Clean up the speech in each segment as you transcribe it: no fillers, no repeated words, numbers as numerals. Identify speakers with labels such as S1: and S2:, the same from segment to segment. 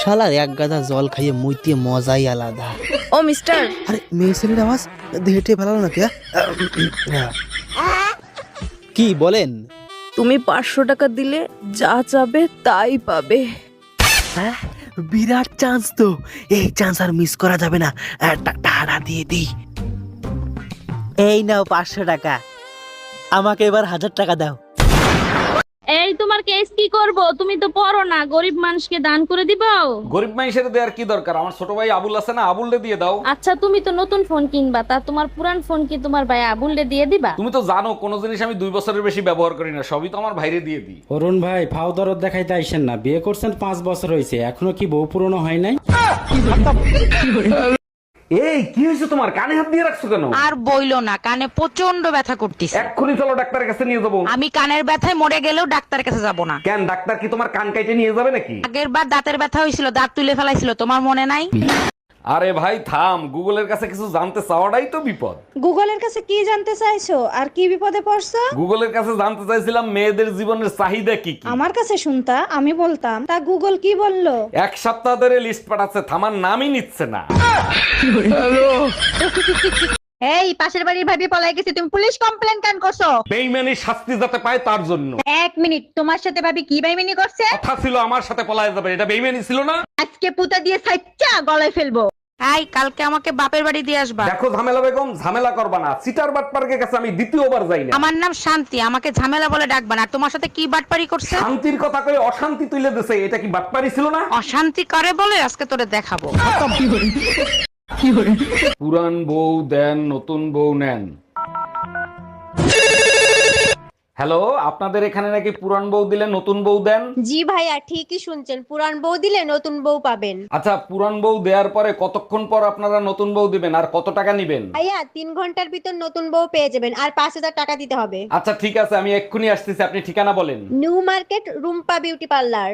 S1: শালার এক গাদা জল খাইয়ে মুইতে মজাই আলাদা।
S2: ও মিস্টার,
S1: আরে মেয়ে ছেলের আওয়াজ হেঁটে ফেলালো নাকি? কি বলেন?
S2: তুমি 500 টাকা দিলে যা চাবে তাই পাবে।
S1: হ্যাঁ, বিরাট চান্স তো, এই চান্স আর মিস করা যাবে না। টাকা দিয়ে দিই। এই নাও 500 টাকা, আমাকে এবার 1000 টাকা দাও।
S3: এই তোমার কেস কি করব? তুমি তো পড়ো না, গরিব মানুষকে দান করে দিবাও।
S4: গরিব মানুষের দেওয়ার কি দরকার? আমার ছোট ভাই আবুল আছে না, আবুলরে দিয়ে দাও।
S3: আচ্ছা তুমি তো নতুন ফোন কিনবা, তা তোমার পুরান ফোন কি তোমার ভাই আবুলরে দিয়ে দিবা?
S4: তুমি তো জানো কোনো জিনিস আমি 2 বছরের বেশি ব্যবহার করি না, সবই তো আমার ভাইরে দিয়ে দিই।
S5: অরুণ ভাই, ফাও দরদ দেখাইতে আইসেন না। বিয়ে করছেন 5 বছর হয়েছে, এখনো কি বউ পুরনো হয় নাই?
S4: এই কি হয়েছে তোমার? কানে হাত দিয়ে রাখছো কেন?
S6: আর বইলো না, কানে প্রচন্ড ব্যথা করতেছে।
S4: এক্ষুনি চলো ডাক্তারের কাছে নিয়ে যাবো।
S6: আমি কানের ব্যথায় মরে গেলেও ডাক্তারের কাছে যাব না।
S4: কেন, ডাক্তার কি তোমার কান কাইটে নিয়ে যাবে নাকি?
S6: আগের বার দাঁতের ব্যথা হয়েছিল, দাঁত তুলে ফেলাইছিল, তোমার মনে নাই?
S4: আরে ভাই থাম, গুগলের কাছে কিছু জানতে চাওয়াটাই তো বিপদ।
S7: গুগলের কাছে কি জানতে চাইছো আর কি বিপদে পড়ছো?
S4: গুগলের কাছে জানতে চাইছিলাম মেয়েদের জীবনের চাহিদা কি কি।
S7: আমার কাছে শুনতা, আমি বলতাম, তা গুগল কি বললো?
S4: 1 সপ্তাহ ধরে লিস্ট পাঠাচ্ছে, থামার নামই নিচ্ছে না।
S6: এই পাশের বাড়ির ভাবি পলাই গেছে, তুমি পুলিশ কমপ্লেন কেন করছো?
S4: বেইমানি শাস্তি যাতে পায় তার জন্য।
S6: 1 মিনিট, তোমার সাথে ভাবি কি বেইমানি করছে?
S4: কথা ছিল আমার সাথে পলায় যাবে, এটা বেইমানি ছিল না?
S6: আজকে পুতা দিয়ে সাইচ্চা গলায় ফেলবো। এই কালকে আমাকে বাপের বাড়ি দিয়ে আসবা।
S4: দেখো ঝামেলা বেগম, ঝামেলা করবা না। চিটার বাটপার্কের কাছে আমি দ্বিতীয়বার যাই না।
S6: আমার নাম শান্তি, আমাকে ঝামেলা বলে ডাকবা না। আর তোমার সাথে কি বাটপারি করছে?
S4: শান্তির কথা কয়ে অশান্তি তুলে দিছে, এটা কি বাটপারি ছিল না?
S6: অশান্তি করে বলে আজকে তোরে দেখাবো।
S4: পুরান বউ দেন, নতুন বউ নেন। হ্যালো, আপনাদের এখানে নাকি পুরান বউ দিলে নতুন বউ দেন?
S8: জি ভাইয়া, ঠিকই শুনছেন, পুরান বউ দিলে নতুন বউ পাবেন।
S4: আচ্ছা, পুরান বউ দেওয়ার পরে কতক্ষণ পর আপনারা নতুন বউ দিবেন আর কত টাকা নিবেন?
S8: ভাইয়া 3 ঘন্টার ভিতর নতুন বউ পেয়ে যাবেন, আর 5000 টাকা দিতে হবে।
S4: আচ্ছা ঠিক আছে, আমি এক্ষুনি আসতেছি, আপনি ঠিকানা বলেন।
S8: New market, Rumpa beauty parlour.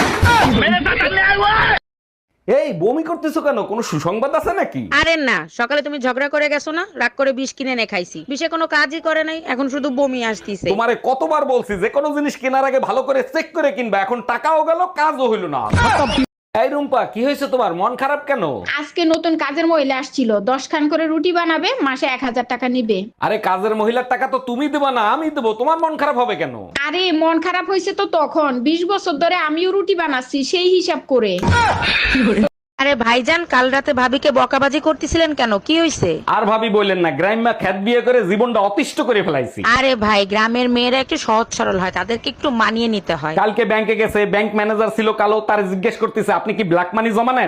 S4: এই বমি করতেছো কেন? কোনো সুসংবাদ আছে নাকি?
S6: আরে না, সকালে তুমি ঝগড়া করে গেছো না, রাগ করে বিষ কিনে এনে খাইছি। বিষে কোনো কাজই করে নাই, এখন শুধু বমি আসতিছে।
S4: তোমারে কতবার বলছি যে কোনো জিনিস কেনার আগে ভালো করে চেক করে কিনবা, এখন টাকাও গেল কাজও হইল না। এই রুম্পা, কি হয়েছে তোমার? মন খারাপ কেন?
S9: আজকে নতুন কাজের মহিলা আসছিল, 10 খান করে রুটি বানাবে, মাসে 1000 টাকা নিবে।
S4: আরে কাজের মহিলার টাকা তো তুমি দেবা না, আমি দেবো, তোমার মন খারাপ হবে কেন?
S9: আরে মন খারাপ হয়েছে তো তখন, 20 বছর ধরে আমিও রুটি বানাচ্ছি, সেই হিসাব করে।
S6: আরে ভাইজান, কাল রাতে ভাবিকে বকাবাজি করতেছিলেন কেন? কি হয়েছে?
S4: আর ভাবি বললেন না, গ্রাম্যা খ্যাত বিয়ে করে জীবনটা অতিষ্ঠ করে ফেলাইছি।
S6: আরে ভাই, গ্রামের মেয়েরা একটু সহজ সরল হয়, তাদেরকে একটু মানিয়ে নিতে হয়।
S4: কালকে ব্যাংকে গেছে, ব্যাংক ম্যানেজার ছিল কালো, তার জিজ্ঞেস করতেছে আপনি কি ব্ল্যাক মানি জমা নেন?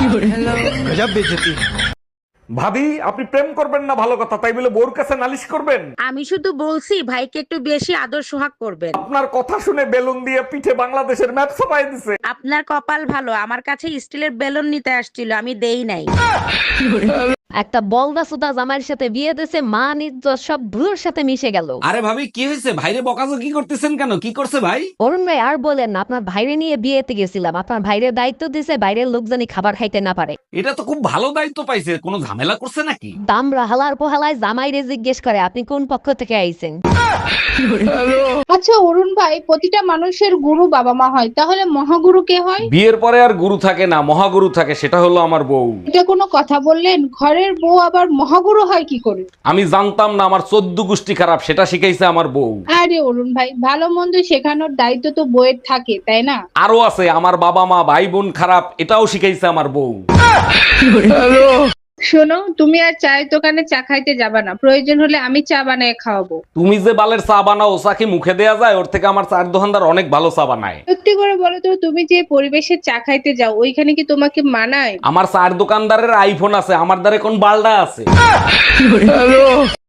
S4: ভাবি, আপনি প্রেম করবেন না ভালো কথা, তাই বলে বোর কাছে নালিশ করবেন?
S6: আমি শুধু বলছি ভাইকে একটু বেশি আদর সোহাগ করবেন।
S4: আপনার কথা শুনে বেলুন দিয়ে পিঠে বাংলাদেশের ম্যাপ ছাপাই দিছে।
S6: আপনার কপাল ভালো, আমার কাছে স্টিলের বেলুন নিতে আসছিল, আমি দেই নাই।
S3: একটা বলদা সুদা জামাইয়ের সাথে বিয়ে দিয়েছে, মান ইজ্জত সব ধুলোর সাথে মিশে গেল।
S4: আরে ভাবি, কি হয়েছে? ভাইরে বকাজকি করতেছেন কেন? কি করছে ভাই?
S3: অরুণ ভাই আর বলেন না, আপনার ভাইরে নিয়ে বিয়েতে গেছিলাম, আপনার ভাইরের দায়িত্ব দিয়েছে বাইরের লোক জানি খাবার খাইতে না পারে।
S4: এটা তো খুব ভালো দায়িত্ব পাইছে, কোনো ঝামেলা করছে নাকি?
S3: দামরা হালার পোহালায় জামাইরে জিজ্ঞেস করে আপনি কোন পক্ষ থেকে আইছেন।
S9: আচ্ছা অরুণ ভাই, প্রতিটা মানুষের গুরু বাবা মা হয়, তাহলে মহাগুরু কে হয়?
S4: বিয়ের পরে আর গুরু থাকে না, মহাগুরু থাকে, সেটা হলো আমার বউ।
S9: এটা কোনো কথা বললেন? ঘরের বউ আবার মহাগুরু হয় কি করে?
S4: আমি জানতাম না, আমার 14 গোষ্ঠী খারাপ, সেটা শিখাইছে আমার বউ।
S9: আরে অরুণ ভাই, ভালো মন্দ শেখানোর দায়িত্ব তো বউয়ের থাকে, তাই না?
S4: আরো আছে, আমার বাবা মা ভাই বোন খারাপ, এটাও শিখাইছে আমার বউ।
S9: শোনো, তুমি আর চায়ের দোকানে চা খাইতে যাবা না, প্রয়োজন হলে আমি চা বানিয়ে খাওয়াবো।
S4: তুমি যে বালের চা বানাও, চা কি মুখে দেয়া যায়? ওর থেকে আমার চায়ের দোকানদার অনেক ভালো চা বানায়।
S9: সত্যি করে বলো তো, তুমি যে পরিবেশে চা খাইতে যাও, ওইখানে কি তোমাকে মানায়?
S4: আমার চায়ের দোকানদারের আইফোন আছে, আমার দ্বারে কোন বালডা আছে?